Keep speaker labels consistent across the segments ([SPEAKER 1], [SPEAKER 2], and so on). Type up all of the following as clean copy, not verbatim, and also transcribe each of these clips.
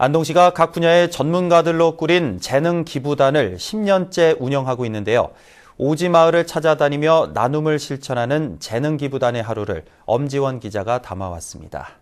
[SPEAKER 1] 안동시가 각 분야의 전문가들로 꾸린 재능 기부단을 10년째 운영하고 있는데요. 오지마을을 찾아다니며 나눔을 실천하는 재능 기부단의 하루를 엄지원 기자가 담아왔습니다.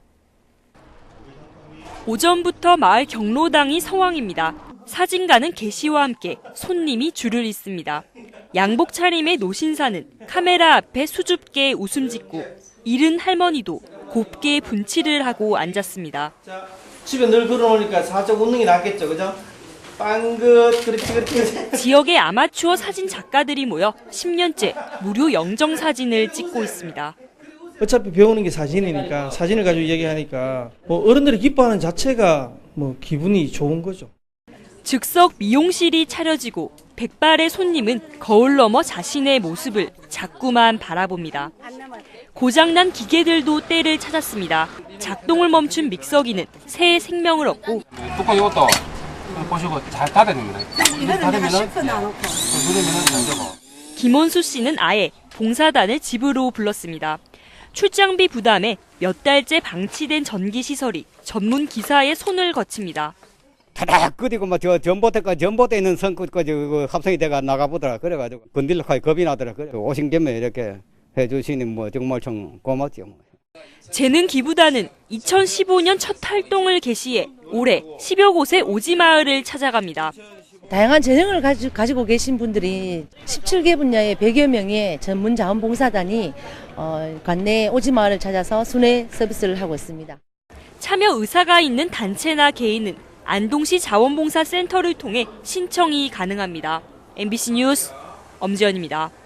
[SPEAKER 2] 오전부터 마을 경로당이 성황입니다. 사진가는 개시와 함께 손님이 줄을 잇습니다. 양복 차림의 노신사는 카메라 앞에 수줍게 웃음 짓고 잃은 할머니도 곱게 분칠을 하고 앉았습니다.
[SPEAKER 3] 집에 늘 걸어놓으니까 살짝 웃는 게 낫겠죠, 그죠? 빵긋, 그렇게.
[SPEAKER 2] 지역의 아마추어 사진 작가들이 모여 10년째 무료 영정 사진을 찍고 있습니다.
[SPEAKER 3] 어차피 배우는 게 사진이니까 사진을 가지고 얘기하니까 어른들이 기뻐하는 자체가 기분이 좋은 거죠.
[SPEAKER 2] 즉석 미용실이 차려지고 백발의 손님은 거울 너머 자신의 모습을 자꾸만 바라봅니다. 고장난 기계들도 때를 찾았습니다. 작동을 멈춘 믹서기는 새 생명을 얻고
[SPEAKER 4] 뚜껑 이것도 보시고 잘 닫아냅니다.
[SPEAKER 5] 이거는 내가 실컷 놔놓고.
[SPEAKER 4] 누르면은 안 되고.
[SPEAKER 2] 김원수 씨는 아예 봉사단을 집으로 불렀습니다. 출장비 부담에 몇 달째 방치된 전기시설이 전문 기사의 손을 거칩니다.
[SPEAKER 6] 타닥 끄디고 전봇대 있는 선까지 합성이 돼가 나가보더라. 그래가지고 건들려 겁이 나더라. 그래 오신 김에 이렇게 해주시니 정말 참 고맙죠.
[SPEAKER 2] 재능 기부단은 2015년 첫 활동을 개시해 올해 10여 곳의 오지마을을 찾아갑니다.
[SPEAKER 7] 다양한 재능을 가지고 계신 분들이 17개 분야의 100여 명의 전문 자원봉사단이 관내 오지마을을 찾아서 순회 서비스를 하고 있습니다.
[SPEAKER 2] 참여 의사가 있는 단체나 개인은 안동시 자원봉사센터를 통해 신청이 가능합니다. MBC 뉴스 엄지연입니다.